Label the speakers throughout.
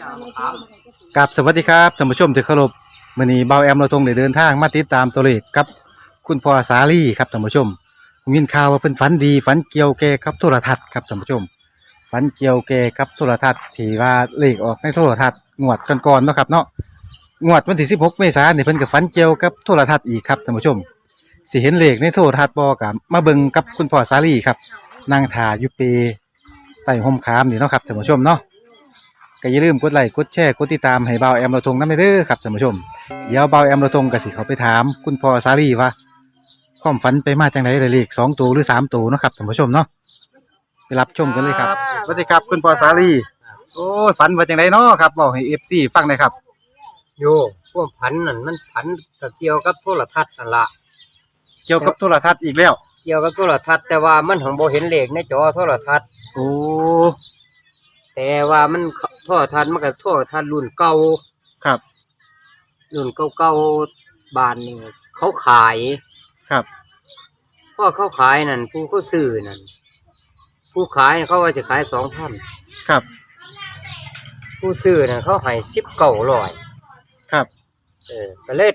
Speaker 1: กับสวัสดีครับท่านผู้ชมที่เคารพมื้อนี้เบาแอมเราทงได้เดินทางมาติดตามตัวเลขกับคุณพ่อสาลีครับท่านผู้ชมผมยินข่าวว่าเพิ่นฝันดีฝันเกี่ยวแก่กับโทรทัศน์ครับท่านผู้ชมฝันเกี่ยวแก่กับโทรทัศน์ที่ว่าเลขออกในโทรทัศน์งวดก่อนๆเนาะครับเนาะงวดวันที่16เมษายนนี่เพิ่นก็ฝันเกี่ยวกับโทรทัศน์อีกครับท่านผู้ชมสิเห็นเลขในโทรทัศน์บ่ก็มาเบิ่งกับคุณพ่อสาลีครับนั่งท่าอยู่เปใต้ร่มขามนี่เนาะครับท่านผู้ชมเนาะก็อย่าลืมกดไลค์กดแชร์กดติดตามให้เบาแอมเราทงนำเด้อครับท่านผู้ชมเดี๋ยวเบาแอมเราทงก็สิเข้าไปถามคุณพ่อสาลีว่าความฝันไปมาจังได๋เลข2ตัวหรือ3ตัวเนาะครับท่านผู้ชมเนาะไปรับชมกันเลยครับสวัสดีครับคุณพ่อสาลีโอ้ยฝันว่าจังไดเนาะครับเว้าให้ FC ฟังหน่อยครับ
Speaker 2: โยพวกผันนั่นมันผันกับเกี่ยวกับโทรทัศน์นั่นละ
Speaker 1: เกี่ยวกับโทรทัศน์อีกแล้ว
Speaker 2: เกี่ยวกับโทรทัศน์แต่ว่ามันของโบเห็นเลขในจอโทรทัศน์
Speaker 1: โอ้
Speaker 2: แต่ว่ามันโทรทัศน์มันก็โทรทัศน์รุ่นเก่า
Speaker 1: ครับ
Speaker 2: รุ่นเก่าๆบ้านนี่เขาขาย
Speaker 1: ครับ
Speaker 2: พ่อเขาขายนั่นผู้เขาซื้อนั่นผู้ขายเขาว่าจะขาย2,000
Speaker 1: ครับ
Speaker 2: ผู้ซื้อนั่นเขาให้1900
Speaker 1: ครับ
Speaker 2: ก็เลย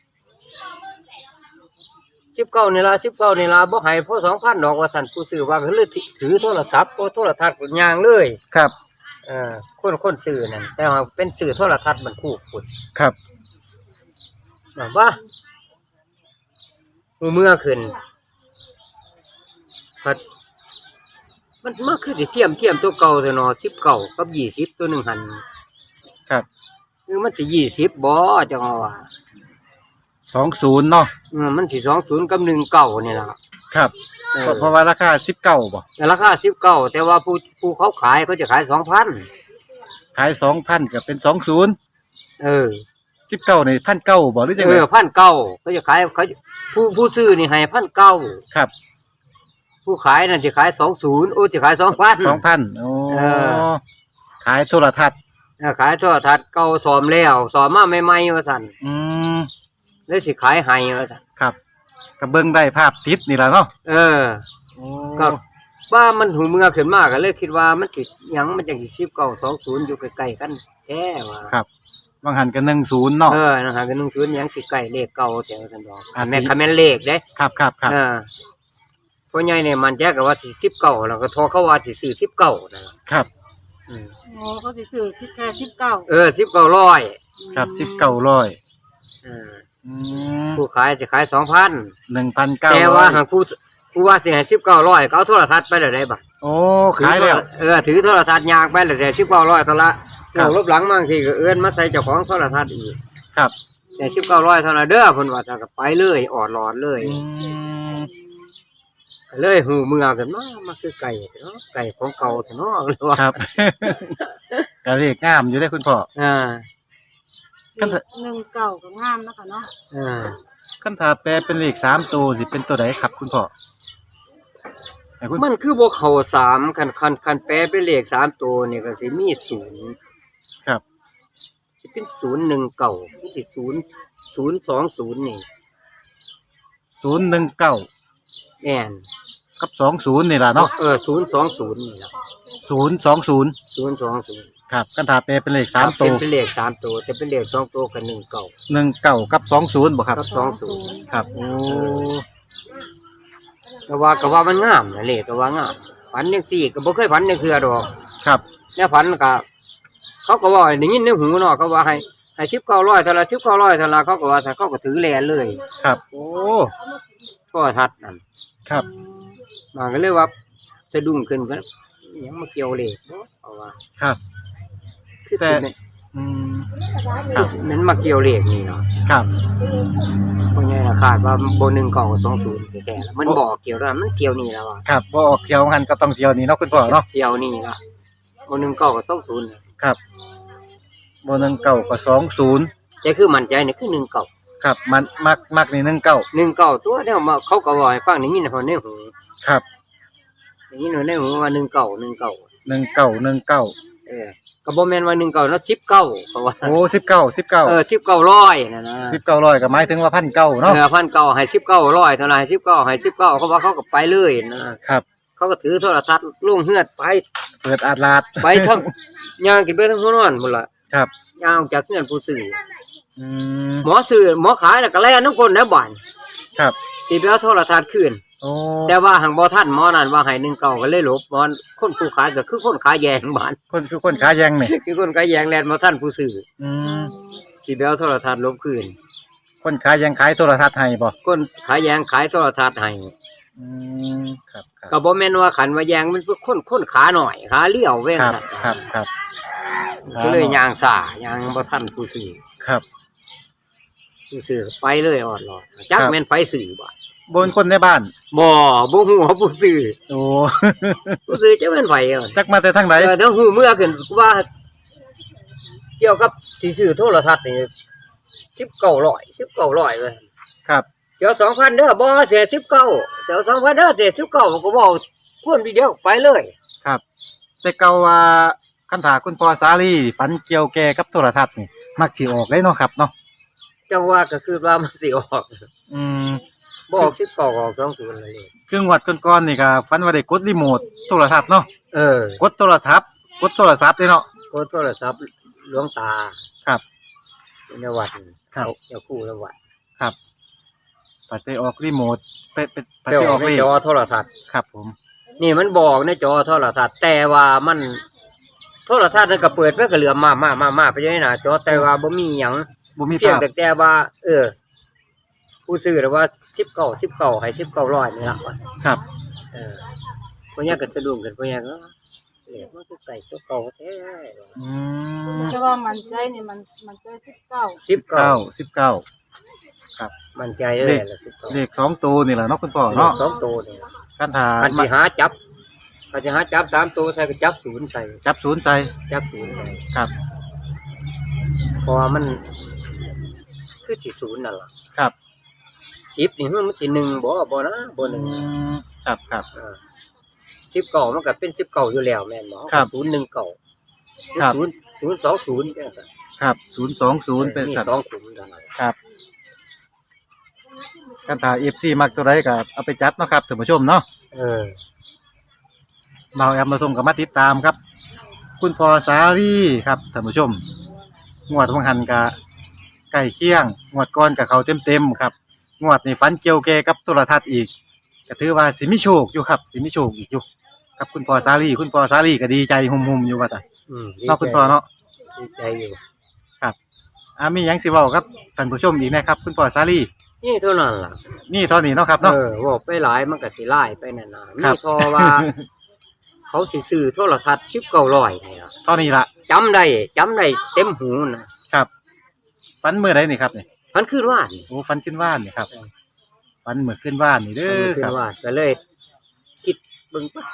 Speaker 2: 19นี่ละบ่ให้พอ2,000ดอกว่าสั่นผู้ซื้อว่าก็เลยถือโทรศัพท์โทรทัศน์ย่างเลย
Speaker 1: ครับ
Speaker 2: คนซื้อนั่นแต่ว่าเป็นซื้อโทรทัศน์มันคู่คุณ
Speaker 1: ครับ
Speaker 2: แบบว่าเมื่อขึ้นพัดมันมาคือสิเทียมตัวเก่าแต่เนาะ19กับ20ตัวหนึ่งหัน
Speaker 1: ครับ
Speaker 2: คือมันสิ20บ่จังว่า
Speaker 1: 20เนาะ
Speaker 2: มันสิ20กับ19นี่ล่ะ
Speaker 1: ครับเพราะว่าราคา19บ่
Speaker 2: ราคา19แต่ว่าผู้เขาขายเขาจะขาย 2,000
Speaker 1: ขาย 2,000 ก็เป็น2019นี่1,900บ่หรือจังได๋
Speaker 2: 1,900เขาจะขายเขาผู้ซื้อนี่ให้ 1,900
Speaker 1: ครับ
Speaker 2: ผู้ขายนั่นสิขาย20โอ้สิขาย 2,000
Speaker 1: โอ้ขายโทรทัศน์
Speaker 2: ขายโทรทัศน์เก่าซ่อมแล้วซ่อมมาใหม่ๆว่าซั่นเลยสิขายให้ว่าซั่น
Speaker 1: ครับก็เบิ่งได้ภาพติดนี่ล่ะเนาะ
Speaker 2: ก็ว่ามันหูเมื่อขึ้นมาก็เลยคิดว่ามันสิหยังมันจังสิ19 20อยู่ใกล้ๆกันแท้ว่า
Speaker 1: ครับบางหันก็10เนาะ
Speaker 2: นั่นหันก็10หยังสิใกล้เลขเก่าแท้ว่าซั่นดอกแม่นคำแม่นเลขเด้
Speaker 1: ครับ
Speaker 2: พ่อใหญ่เนี่ยมันแจ้ก็ว่าสิ19แล้วก็ทอเขาว่าสิซื้อ19นั่นล่ะ
Speaker 1: ครับ
Speaker 3: เขาสิซื้อแค่19
Speaker 2: 1900
Speaker 1: ครับ1900
Speaker 2: ผู้ขายจะขาย
Speaker 1: 1,900
Speaker 2: แต่ว่าหากผู้ว่าสิให้1900ก็เอาโทรทัศน์ไปแล้วได้บ่
Speaker 1: โอ้ขายแล้ว
Speaker 2: ถือโทรทัศน์ยางไปแล้วแต่1900เท่าละลบหลังบางทีก็เอิ้นมาใส่เจ้าของโทรทัศน์อีก
Speaker 1: ครับ
Speaker 2: แต่1900เท่านั้นเด้อเพิ่นว่าถ้าก็ไปเลยออดหลอดเลยเลยหูเมื่อกันมาคือไก่เนาะไก่ของเก่าเนาะเลยว่า
Speaker 1: ครับก็เลขงามอยู่ได้คุณพ่อ
Speaker 3: กัน19ก็งามนะคะเนาะ
Speaker 1: คันถ้าแปลเป็นเลข3ตัวสิเป็นตัวใดครับคุณพ่อ
Speaker 2: มันคือบ่เข้า3คันแปลเป็นเลข3ตัวนี่ก็สิมี0
Speaker 1: ครับ
Speaker 2: สิเป็น019สิ020นี่
Speaker 1: 019
Speaker 2: แม่น
Speaker 1: กับ20นี่ล่ะเนาะ
Speaker 2: 020นี่ล่ะ
Speaker 1: 020ครับคันถ้าแปลเป็นเลข3ตัว
Speaker 2: เป็นเลข3ตัวแต่เป็นเลข2ตัวก็
Speaker 1: 19กับ20บ่ครับ
Speaker 2: กับ20
Speaker 1: ครับโอ้
Speaker 2: ก็ว่ามันงามนะเลขก็ว่างามฝันจังซี่ก็บ่เคยฝันจังเทื่อดอก
Speaker 1: ครับ
Speaker 2: แล้วฝันก็เขาก็ว่าได้ยินในหูเนาะเขาว่าให้1900เท่าละ1900เท่าละเขาก็ว่าเขาก็ถือแลเลย
Speaker 1: ครับโอ้
Speaker 2: โทรทัศน์นั่น
Speaker 1: ครับ
Speaker 2: มันก็เลยว่าสะดุ้งขึ้นก็ยังมาเกี่ยวเลขเนาะเอาว่า
Speaker 1: ครับ
Speaker 2: แต่ครับมันมาเกี่ยวเลขนี่เนาะ
Speaker 1: ครับ
Speaker 2: เพราะงั้นคาดว่าบ่19กับ20แท้ๆมันบอกเกี่ยวแล้วมันเกี่ยวนี่แล้วอ่ะ
Speaker 1: ครับบ่ออกเกี่ยวหันก็ต้องเกี่ยวนี่เนาะคุณพ่อเนาะ
Speaker 2: เกี่ยวนี่ล่ะบ่19กับ20
Speaker 1: ครับบ่19กับ20
Speaker 2: ใจคือมั่นใจนี่คือ19
Speaker 1: ครับมันมักนี่
Speaker 2: 19ตัวแล้วมาเขาก็ว่าให้ฟังนี่ในหู
Speaker 1: ครับ
Speaker 2: อย่างนี้ในหูว่า19ก็บ่แม่นว่า19เนาะ19เขาว่า
Speaker 1: โอ้19
Speaker 2: 1900นั่นนะ
Speaker 1: 1900ก็หมายถึงว่า1,900เนาะ
Speaker 2: 1,900ให้1900เท่าไหร่19ให้19เขาว่าเขาก็ไปเลยนะครับเขาก็ถือโทรทัศน์ลงเฮือดไป
Speaker 1: เปิดอาดลาด
Speaker 2: ไปทั้งย่างกินไปทั้งหัวนอนพุ่นล่ะ
Speaker 1: ครับ
Speaker 2: ย่างจากเงินผู้ซื้อ
Speaker 1: อืม
Speaker 2: หมอซื้อหมอขายแล้วก็แล่นน้ำคนนะบ้าน
Speaker 1: ครับ
Speaker 2: สิไปเอาโทรทัศน์คืน
Speaker 1: โอ้
Speaker 2: แต่ว่าหังบ่ทันหมอนั่นว่าให้1 เก่าก็เลยหลบหมอคนผู้ขายก็คือคนขายแยงบ้าน
Speaker 1: คนคือคนขาแยงนี่
Speaker 2: คือคนขายแยงแล่นบ่ทันผู้ซื้อ
Speaker 1: อืม
Speaker 2: สิไปเอาโทรทัศน์ลบคืน
Speaker 1: คนขาแยงขายโทรทัศน์ให้บ่
Speaker 2: คนขายแยงขายโทรทัศน์ให้
Speaker 1: อืมครับครับ
Speaker 2: ก็บ่แม่นว่าขันว่าแยงมันเป็นคนขาหน่อยขาเลี้ยวแว่ง
Speaker 1: ครับ
Speaker 2: นั่น
Speaker 1: ครับ
Speaker 2: ก็เลยย่างซ่าย่างบ่ทันผู้ซื้อ
Speaker 1: ครับ
Speaker 2: ผู้ซื้อไปเลยออดรอดจักแม่นไปซื้อบ่
Speaker 1: บนคนในบ้าน
Speaker 2: บ่ฮู้ว่าผู้ซื้อ
Speaker 1: โอ้
Speaker 2: ผู้ซื้อจะแม่นไผอ่ะ
Speaker 1: จักมาแต่ทางไหน
Speaker 2: ถ้าฮู้เมื่อขึ้นว่า เกี่ยวกับสิซื้อโทรทัศน์นี่1900เลย
Speaker 1: ครับ
Speaker 2: เสียว 2,000 เด้อบ่เสีย19เสียว 2,000 เด้อเสีย19ก็เว้าควรทีเดียวไปเลย
Speaker 1: ครับ แต่เก่าว่าคันถาคุณพ่อสาลีฝันเกี่ยวแก่กับโทรทัศน์นี่มักสิออกเลยเนาะครับเนาะ
Speaker 2: จังว่าก็คือว่ามันสิออก
Speaker 1: อืม
Speaker 2: บ่ออก19ออก20เลย
Speaker 1: คืองวดก่อนๆนี่ก็ฝันว่าได้กดรีโมทโทรทัศน์เนาะ กดโทรศัพท์เลยเนาะ
Speaker 2: กดโทรศัพท์หลวงตา
Speaker 1: ครับ
Speaker 2: ในวัด
Speaker 1: ครับ
Speaker 2: เจ้าคู่ในวัด
Speaker 1: ครับปัดไปออกรีโมทปัด
Speaker 2: เจ้า
Speaker 1: ไปออก
Speaker 2: ใน
Speaker 1: เลข
Speaker 2: จอโทรทัศน์
Speaker 1: ครับผม
Speaker 2: นี่มันบอกในจอโทรทัศน์แต่ว่ามันโทรทัศน์นั่นก็เปิดไว้ก็เหลือมาไปอยู่ในหน้าจอแต่ว่าบ่มีหยัง
Speaker 1: บ่มี
Speaker 2: เพียง
Speaker 1: ภาพ
Speaker 2: แต่ว่า ผู้ซื้อหรือว่า19ให้1900นี่ล่ะว่า
Speaker 1: ครับ
Speaker 2: พวกนี้ก็สะดุ้งกันพวกนี้ก็เอ๊ะมันคือไก่ตัวเก่าแท้
Speaker 1: อืม
Speaker 3: แต่ว่ามันใจนี่มันใจ19
Speaker 2: 19มันใจเลยล่ะ19
Speaker 1: เลข2ตัวนี่แหละเนาะคุณพ่อเนาะ
Speaker 2: 2ตัวนี่
Speaker 1: คันถา
Speaker 2: มันสิหาจับมันสิหาจับ3ตัวใส่ก็จับ0ใส่
Speaker 1: จับศูนย์ใส่
Speaker 2: จับ0ใส่
Speaker 1: ครับ
Speaker 2: เพราะว่ามันคือสิ0นั่นล่ะ
Speaker 1: ครับ
Speaker 2: 10นี่มันสิ1บ่นะบ่
Speaker 1: อื
Speaker 2: 1
Speaker 1: มครับครับ
Speaker 2: 19มันก็เป็น19อยู่แล้วแม่นบ่
Speaker 1: ครับ
Speaker 2: 019
Speaker 1: ครับ
Speaker 2: 020จังซั่น
Speaker 1: ครับ020เป็นสัตว์
Speaker 2: 2ขุมเท่านั้น
Speaker 1: ครับคันถา FC มักตัวใดก็เอาไปจัดเนาะครับท่านผู้ชมเนาะ
Speaker 2: เออ
Speaker 1: เบาแอมเราทงกับมาติดตามครับ คุณพ่อสาลีครับท่านผู้ชมงวดของหันกะใกล้เคียงงวดก่อนกับเขาเต็มๆครับงวดนี้ฝันเกี่ยวแก่กับโทรทัศน์อีกก็ถือว่าสิมีโชคอยู่ครับสิมีโชคอีกอยู่ครับคุณพ่อสาลีก็ดีใจหุ่มๆอยู่ว่าซั่น เนาะคุณพ่อเนาะ
Speaker 2: ดีใจอยู่
Speaker 1: มีหยังสิเว้าครับท่านผู้ชมอีกนะครับ คุณพ่อสาลี
Speaker 2: นี่เท่านั้นล่ะ
Speaker 1: นี่เท่านี้เนาะครับเนาะ
Speaker 2: บอกไปหลายมันก็สิหลายไปนั่นน่ะ
Speaker 1: ครั
Speaker 2: มี
Speaker 1: บ
Speaker 2: ทอว่า เขาสิซื้อโทรทัศน์1900นี่ล่ะ
Speaker 1: เท่านี้ล่ะ
Speaker 2: จำได้เต็มหูนะครับ
Speaker 1: ฝันมื้อใดนี่ครับนี่
Speaker 2: มันขึ้นว่านี่
Speaker 1: โอ้ฝันขึ้นว่านนี่ครับฝันมื้อขึ้นว่านนี่เด้อ
Speaker 2: มันขึ้
Speaker 1: คน รับ
Speaker 2: ว่าก็เลย คิดเบิ่งปั๊บ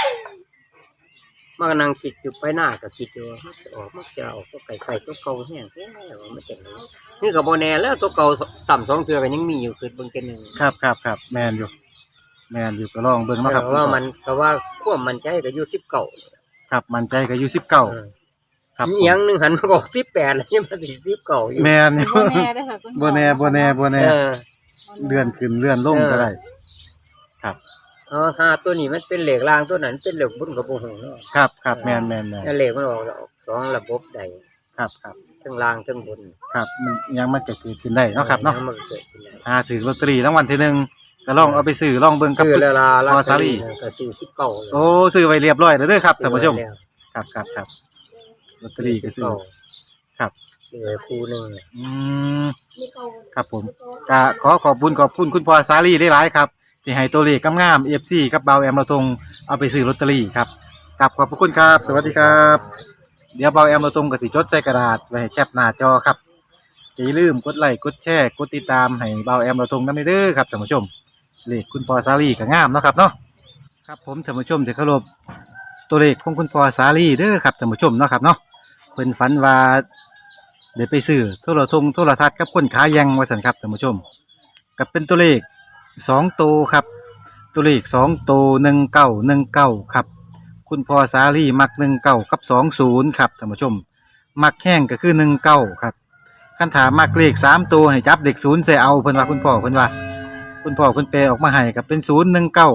Speaker 2: มันก็นั่งคิดอยู่ไปหน้าก็คิดอยู่ว่ามันจะออกตัวไก่ตัวเก่าแห้งแท้ว่ามันจังได๋นี่ก็บ่แน่แล้วตัวเก่าซ้ำ2เทื่อก็ยังมีอยู่คือเบิ่งกันหนึง
Speaker 1: ครับแม่นอยู่ก็ลองเบิ่งเนาะครับ
Speaker 2: แต่ว่ามันก็ว่าความมั่นใจก็อยู่19
Speaker 1: ครับมั่นใจก็อยู่19ครับผม
Speaker 2: อีหยังหนึงหันมาบอก18แล้วยังมาสิ19อยู่
Speaker 1: แม่นอยู่
Speaker 3: บ่แน่เด้อค่ะคุณพ่อ
Speaker 1: บ่แน่
Speaker 2: เออ
Speaker 1: เลื่อนขึ้นเลื่อนลงก็ได้ ครับ
Speaker 2: หาตัวนี้มันเป็นเหล็กรางตัวนั้นเป็นเหล็กบนกับบ่ฮู้เนาะ
Speaker 1: ครับแม่น
Speaker 2: แล้วเหล็กมันออกสองระบบใด
Speaker 1: ครับ
Speaker 2: ทั้งล่างทั้งบน
Speaker 1: ครับมันยังมันจะเกิดขึ้นได้เนาะครับเนาะ
Speaker 2: มันก็เกิดขึ้นได้
Speaker 1: ถ้าถือลอตเตอรี่รางวัลที่หนึ่งก็ลองเอาไปซื้อลองเบิ่งกับ
Speaker 2: ซื้อแล้วล่ะ
Speaker 1: พอสาลี
Speaker 2: ก็ซื้อ19เลย
Speaker 1: โอ้ซื้อไว้เรียบร้อยแล้วเด้อครับท่านผู้ชมครับลอตเตอรี่ก็ซื้อ ครับ
Speaker 2: ซื้อไว้คู่หนึง
Speaker 1: อืมครับผมก็ขอบคุณคุณพ่อสาลีหลายๆครับที่ให้ตัวเลขงามๆ FC กับเบาแอมเราทงเอาไปซื้อลอตเตอรี่ครับกับขอบพระคุณครับ สวัสดีครับ เดี๋ยวเบาแอมเราทงก็สิจดใส่กระดาษไว้ให้แคปหน้าจอครับอย่าลืมกดไลค์กดแชร์กดติดตามให้เบาแอมเราทงนำเด้อครับท่านผู้ชมเลขคุณพ่อสาลีก็งามเนาะครับเนาะครับผมท่านผู้ชมที่เคารพตัวเลขของคุณพ่อสาลีเด้อครับท่านผู้ชมเนาะครับเนาะเพิ่นฝันว่าได้ไปซื้อโทรทัศน์กับคนขายยังว่าซั่นครับท่านผู้ชมก็เป็นตัวเลข2ตัวครับตัวเลข2ตัว1919ครับคุณพ่อสาลีมัก19กับ20ครับท่านผู้ชมมักแห้งก็คือ19ครับคันถามมักเลข3ตัวให้จับเด็ก0ใส่เอาเพิ่นว่าคุณพ่อเพิ่นแปลออกมาให้ก็เป็น019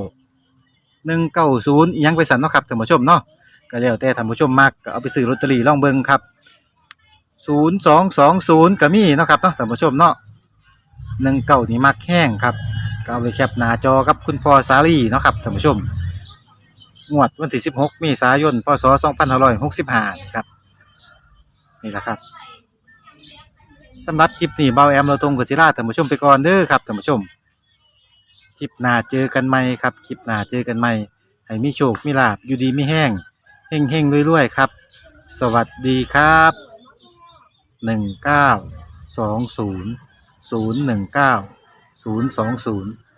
Speaker 1: 190อีหยังไปสั่นเนาะครับท่านผู้ชมเนาะก็แล้วแต่ท่านผู้ชมมักก็เอาไปซื้อลอตเตอรี่ลองเบิ่งครับ 0220ก็มีเนาะครับเนาะท่านผู้ชมเนาะ19นี่มักแห้งครับก็เอาไปแคปหน้าจอกับคุณพ่อสาลีเนาะครับท่านผู้ชมงวดวันที่16เมษายนพศ2565ครับนี่แหละครับสำหรับคลิปนี้เบาแอมเราตรงกับศิลาท่านผู้ชมไปก่อนเด้อครับท่านผู้ชมคลิปหน้าเจอกันใหม่ครับคลิปหน้าเจอกันใหม่ให้มีโชคมีลาภอยู่ดีมีแห้งเฮงๆรวยๆครับสวัสดีครับ1920 019 020